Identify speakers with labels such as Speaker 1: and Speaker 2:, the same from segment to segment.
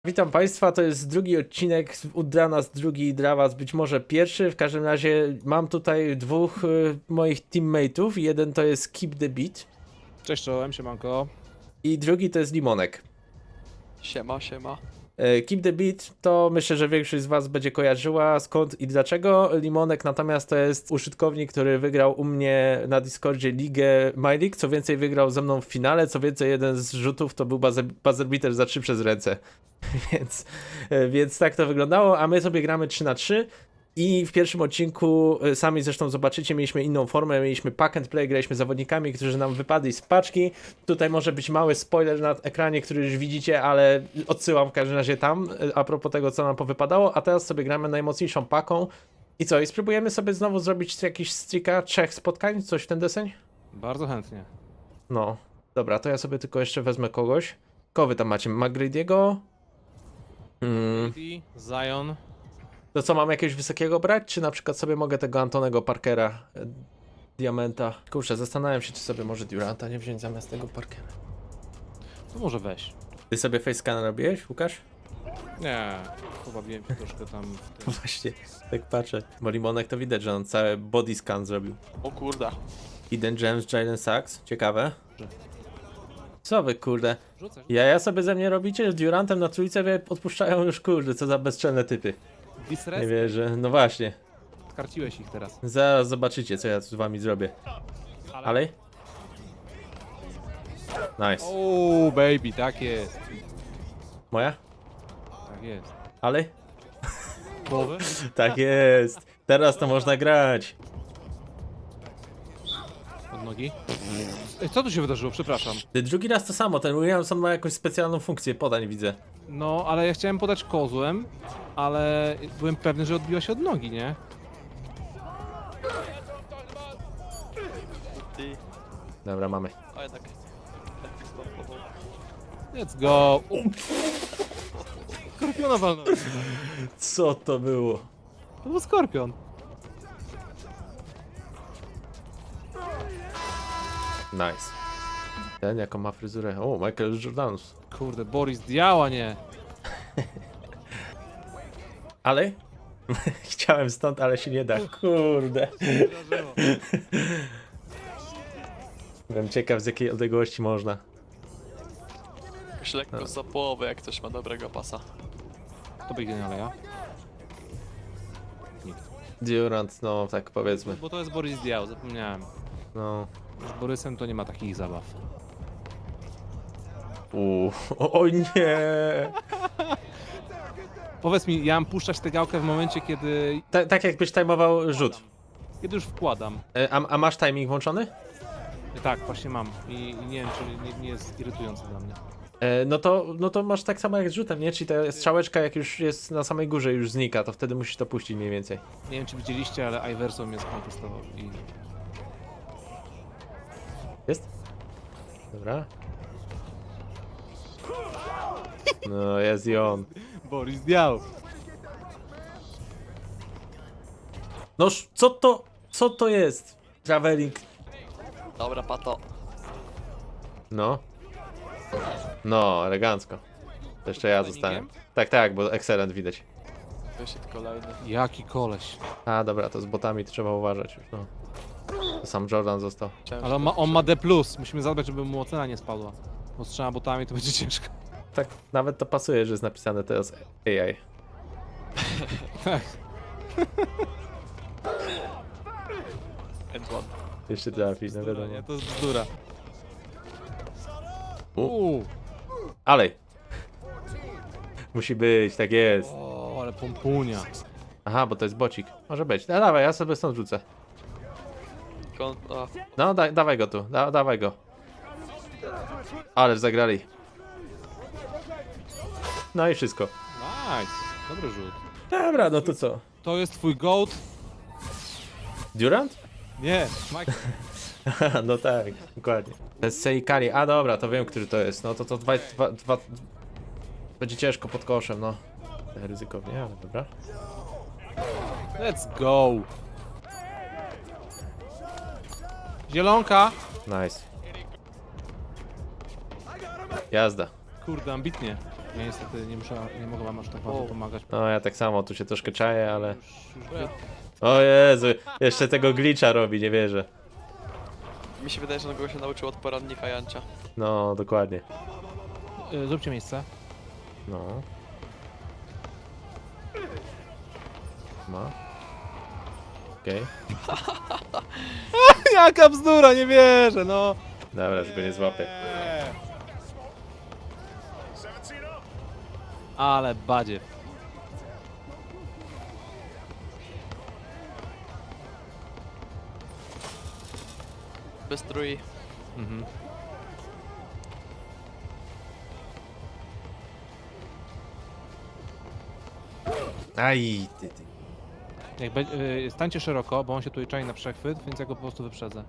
Speaker 1: Witam Państwa, to jest drugi odcinek, dla nas drugi, dla Was być może pierwszy. W każdym razie mam tutaj dwóch moich teammateów. Jeden to jest Keep the Beat
Speaker 2: Cześć czołem, siemanko.
Speaker 1: i drugi to jest Limonek.
Speaker 3: Siema, siema.
Speaker 1: Keep the Beat to myślę, że większość z Was będzie kojarzyła skąd i dlaczego. Limonek natomiast to jest użytkownik, który wygrał u mnie na Discordzie ligę My League. Co więcej, wygrał ze mną w finale. Co więcej, jeden z rzutów to był buzzer beater za 3 przez ręce. Więc tak to wyglądało, a my sobie gramy 3-3 i w pierwszym odcinku, sami zresztą zobaczycie, mieliśmy inną formę, mieliśmy pack and play, graliśmy zawodnikami, którzy nam wypadli z paczki. Tutaj może być mały spoiler na ekranie, który już widzicie, ale odsyłam w każdym razie tam, a propos tego, co nam powypadało, a teraz sobie gramy najmocniejszą paką. I co, i spróbujemy sobie znowu zrobić jakiś streaka 3 spotkań, coś w ten deseń?
Speaker 2: Bardzo chętnie.
Speaker 1: No, dobra, to ja sobie tylko jeszcze wezmę kogoś. Kogo wy tam macie? McGrady'ego?
Speaker 2: Zion.
Speaker 1: To co, mam jakiegoś wysokiego brać, czy na przykład sobie mogę tego Antonego Parkera, Diamenta? Kurczę, zastanawiam się, czy sobie może Duranta nie wziąć zamiast tego Parkera.
Speaker 2: To może weź.
Speaker 1: Ty sobie facescan robiłeś, Łukasz?
Speaker 2: Nie, pobawiłem się troszkę tam w tym.
Speaker 1: Właśnie, tak patrzę. Bo Limonek to widać, że on cały body scan zrobił.
Speaker 3: O kurda.
Speaker 1: Eden James, Jalen Sachs, ciekawe. Co wy, kurde?
Speaker 2: Rzucę.
Speaker 1: Ja sobie ze mnie robicie, z Durantem na trójce mnie odpuszczają już, kurde, co za bezczelne typy. Nie
Speaker 2: Disres?
Speaker 1: wierzę, no właśnie.
Speaker 2: Skarciłeś ich teraz.
Speaker 1: Zaraz zobaczycie, co ja z wami zrobię. Ale? Nice.
Speaker 2: O, baby, tak jest.
Speaker 1: Moja?
Speaker 2: Tak jest.
Speaker 1: Ale?
Speaker 2: Połowę?
Speaker 1: Tak jest. Teraz to można grać.
Speaker 2: Od nogi. Ej, co tu się wydarzyło? Przepraszam.
Speaker 1: Drugi raz to samo. Ten Williamson ma jakąś specjalną funkcję podań, widzę.
Speaker 2: No, ale ja chciałem podać kozłem, ale byłem pewny, że odbiła się od nogi, nie?
Speaker 3: Ty.
Speaker 1: Dobra, mamy.
Speaker 3: A jednak. Netflix pompował.
Speaker 2: Let's go. Skorpiona walnąłem.
Speaker 1: Co to było?
Speaker 2: To był skorpion.
Speaker 1: Nice. Ten jaką ma fryzurę. O, Michael Jordanus.
Speaker 2: Kurde, Boris Diała, nie.
Speaker 1: Ale? Chciałem stąd, ale się nie da. Kurde.
Speaker 2: Wydarzyło.
Speaker 1: Byłem ciekaw, z jakiej odległości można.
Speaker 3: Jakoś lekko za połowę, jak ktoś ma dobrego pasa.
Speaker 2: To biegnie na Leja. Nikt.
Speaker 1: Durant, no tak powiedzmy.
Speaker 2: Bo to jest Boris Diaw, zapomniałem.
Speaker 1: No.
Speaker 2: Z Borysem to nie ma takich zabaw.
Speaker 1: O nie!
Speaker 2: Powiedz mi, ja mam puszczać tę gałkę w momencie, kiedy
Speaker 1: Tak jakbyś timeował rzut.
Speaker 2: już wkładam.
Speaker 1: A masz timing włączony?
Speaker 2: Tak, właśnie mam. I nie wiem, czy nie jest irytujące dla mnie.
Speaker 1: No to masz tak samo jak z rzutem, nie? Czyli ta strzałeczka jak już jest na samej górze już znika, to wtedy musisz to puścić mniej więcej.
Speaker 2: Nie wiem, czy widzieliście, ale Iverson mnie skontestował i...
Speaker 1: Jest? Dobra. No jest i on.
Speaker 2: Boris Diaw!
Speaker 1: Noż, co to jest? Traveling.
Speaker 3: Dobra, pato.
Speaker 1: No. No, elegancko. To jeszcze ja zostałem. Tak, bo excellent widać.
Speaker 3: Wyszedł kolejny.
Speaker 2: Jaki koleś.
Speaker 1: A dobra, to z botami to trzeba uważać już, no. To sam Jordan został.
Speaker 3: Ciężko.
Speaker 2: Ale on ma D+. Musimy zadbać, żeby mu ocena nie spadła. Bo z 3 botami to będzie ciężko.
Speaker 1: Tak, nawet to pasuje, że jest napisane teraz AI.
Speaker 2: Tak.
Speaker 3: End one.
Speaker 1: Jeszcze trafi, no wiadomo.
Speaker 2: Nie, to jest bzdura.
Speaker 1: U. Ale. Musi być, tak jest.
Speaker 2: O, ale pompunia.
Speaker 1: Aha, bo to jest bocik. Może być. No dawaj, ja sobie stąd rzucę.
Speaker 3: A,
Speaker 1: No, dawaj go tu, dawaj go. Ależ zagrali. No i wszystko.
Speaker 2: Nice. Dobry rzut.
Speaker 1: Dobra, no to co?
Speaker 2: To jest twój goat?
Speaker 1: Durant?
Speaker 2: Nie, Michael.
Speaker 1: No tak, dokładnie. To jest Seikari. A dobra, to wiem, który to jest. No to dwa... Będzie ciężko pod koszem, no. Ryzykownie, ale dobra.
Speaker 2: Let's go. Zielonka.
Speaker 1: Nice. Jazda.
Speaker 2: Kurde, ambitnie. Ja niestety nie mogę wam aż tak bardzo pomagać.
Speaker 1: No ja tak samo, tu się troszkę czaję, ale...
Speaker 2: Już
Speaker 1: O Jezu, jeszcze tego glitcha robi, nie wierzę.
Speaker 3: Mi się wydaje, że on go się nauczył od poradnika Jancia.
Speaker 1: No, dokładnie.
Speaker 2: Zróbcie miejsce.
Speaker 1: No. No. Okej.
Speaker 2: Jaka bzdura, nie wierzę, no!
Speaker 1: Dobra, żeby nie złapię.
Speaker 2: Ale badziew.
Speaker 3: Bez trój.
Speaker 2: Mhm.
Speaker 1: Aj, ty.
Speaker 2: Stańcie szeroko, bo on się tutaj czai na przechwyt, więc ja go po prostu wyprzedzę.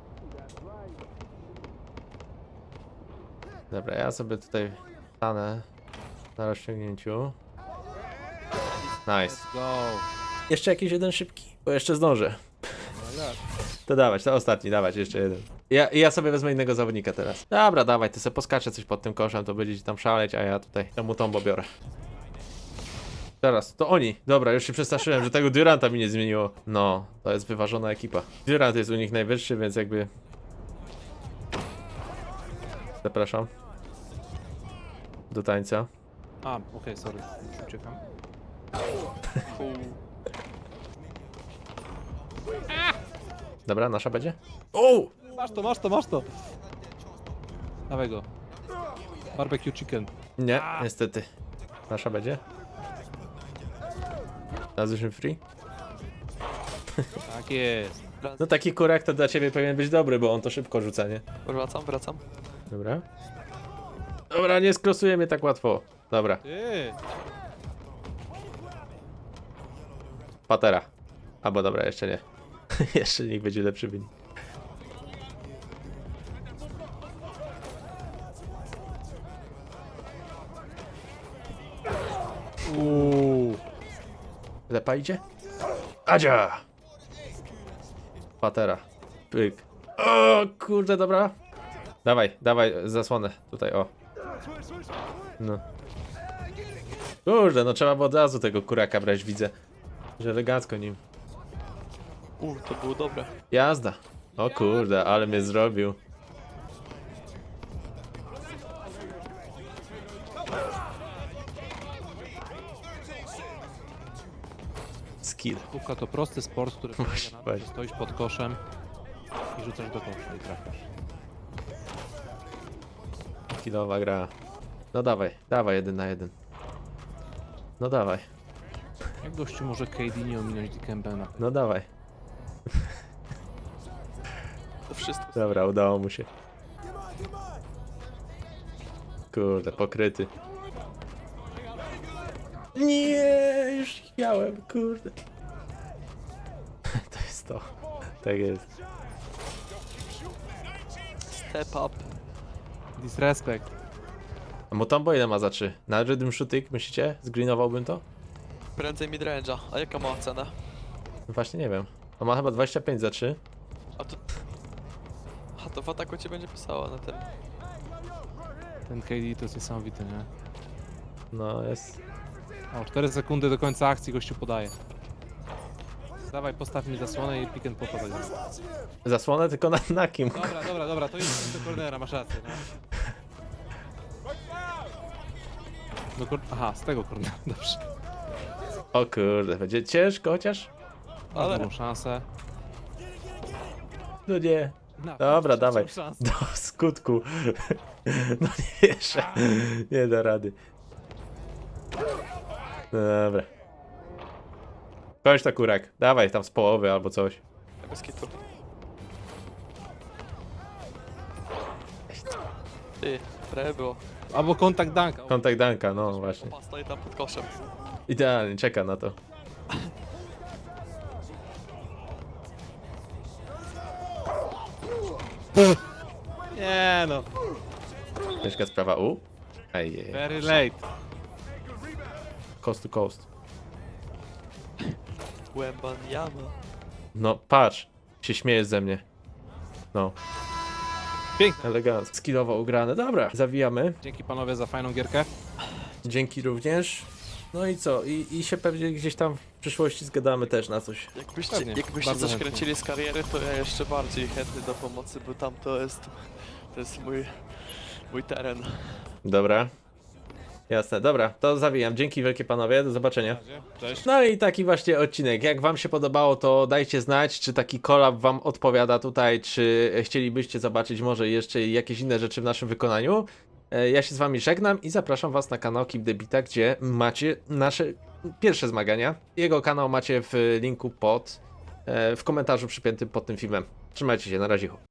Speaker 1: Dobra, ja sobie tutaj stanę na rozciągnięciu. Nice.
Speaker 2: Let's go.
Speaker 1: Jeszcze jakiś jeden szybki, bo jeszcze zdążę.
Speaker 2: No jak?
Speaker 1: To dawać, to ostatni, dawać, jeszcze jeden. Ja sobie wezmę innego zawodnika teraz. Dobra, dawaj, ty sobie poskaczę coś pod tym koszem, to będziecie tam szaleć, a ja tutaj temu tombo biorę. Teraz, to oni. Dobra, już się przestraszyłem, że tego Duranta mi nie zmieniło. No, to jest wyważona ekipa. Durant jest u nich najwyższy, więc jakby... Zapraszam. Do tańca.
Speaker 2: A, okej, sorry, już uciekam.
Speaker 3: Cool.
Speaker 1: Dobra, nasza będzie? O!
Speaker 2: Masz to! Dawaj go. Barbecue chicken.
Speaker 1: Nie, niestety. Nasza będzie? Nazwyśmy free?
Speaker 2: Tak jest.
Speaker 1: No taki kurek to dla ciebie powinien być dobry, bo on to szybko rzuca, nie?
Speaker 3: Wracam.
Speaker 1: Dobra. Dobra, nie skrosuje mnie tak łatwo. Dobra,
Speaker 2: Ty!
Speaker 1: patera. Albo dobra, jeszcze nie. Jeszcze niech będzie lepszy wynik. Lepa idzie? Adzia! Patera. Pyk. O kurde, dobra. Dawaj, zasłonę. Tutaj, o. No. Kurde, no trzeba było od razu tego kuraka brać, widzę. Że elegancko nim.
Speaker 3: To było dobre.
Speaker 1: Jazda. O kurde, ale mnie zrobił. Skill.
Speaker 2: Piłka to prosty sport, który polega na tym,
Speaker 1: Właśnie.
Speaker 2: że stoisz pod koszem i rzucasz do kosza i trafiasz.
Speaker 1: Skillowa gra. No dawaj 1 na 1. No dawaj,
Speaker 2: Jak gościu może KD nie ominąć Dikembena?
Speaker 1: no dawaj.
Speaker 3: To wszystko.
Speaker 1: Dobra, udało mu się. Kurde, pokryty. Nie, już miałem, kurde. To jest to. Tak jest.
Speaker 3: Step up.
Speaker 2: Disrespect.
Speaker 1: A Mutombo ile ma za 3? Na Rhythm Shooting, myślicie? Zgreenowałbym to?
Speaker 3: Prędzej midrange'a. A jaka ma cenę?
Speaker 1: No właśnie nie wiem. On ma chyba 25 za 3.
Speaker 3: A to w ataku ci będzie pisało na tym.
Speaker 2: Ten KD to jest niesamowity, nie?
Speaker 1: No jest.
Speaker 2: O, 4 sekundy do końca akcji gościu podaje. Dawaj, postaw mi zasłonę i pick and popa zagramy.
Speaker 1: Zasłonę tylko na kim?
Speaker 2: Dobra, to jest do cornera, masz rację, no. Aha, z tego cornera, dobrze.
Speaker 1: O kurde, będzie ciężko chociaż?
Speaker 2: Mam
Speaker 3: Ale-
Speaker 2: drugą szansę.
Speaker 1: No nie.
Speaker 2: Na,
Speaker 1: Dobra,
Speaker 2: trzecią
Speaker 1: dawaj.
Speaker 2: szansę.
Speaker 1: Do skutku. No nie jeszcze. Nie da rady. No dobra. Kończ to kurak. Dawaj tam z połowy albo coś.
Speaker 3: Bez kitu. Ty, trochę było.
Speaker 2: Albo kontakt danka.
Speaker 1: Kontakt Danka, no właśnie.
Speaker 3: Opa, stoi tam pod koszem.
Speaker 1: Idealnie, czeka na to.
Speaker 2: Nie no.
Speaker 1: Ciężka sprawa. Ej,
Speaker 2: Very late.
Speaker 1: coast to coast.
Speaker 3: Łębaniama.
Speaker 1: No patrz, się śmiejesz ze mnie. No,
Speaker 2: Piękne.
Speaker 1: elegancko. Skillowo ugrane. Dobra, zawijamy.
Speaker 2: Dzięki panowie za fajną gierkę.
Speaker 1: Dzięki również. No i co? I się pewnie gdzieś tam w przyszłości zgadamy też na coś.
Speaker 3: Jakbyście,
Speaker 2: Pewnie,
Speaker 3: jakbyście
Speaker 2: bardzo
Speaker 3: coś
Speaker 2: chętnie.
Speaker 3: kręcili z kariery, to ja jeszcze bardziej chętny do pomocy, bo tam to jest mój teren.
Speaker 1: Dobra. Jasne, dobra, to zawijam. Dzięki wielkie panowie, do zobaczenia.
Speaker 2: Cześć.
Speaker 1: No i taki właśnie odcinek. Jak wam się podobało, to dajcie znać, czy taki collab wam odpowiada tutaj, czy chcielibyście zobaczyć może jeszcze jakieś inne rzeczy w naszym wykonaniu. Ja się z wami żegnam i zapraszam was na kanał Keep the Beata, gdzie macie nasze pierwsze zmagania. Jego kanał macie w linku w komentarzu przypiętym pod tym filmem. Trzymajcie się, na razie.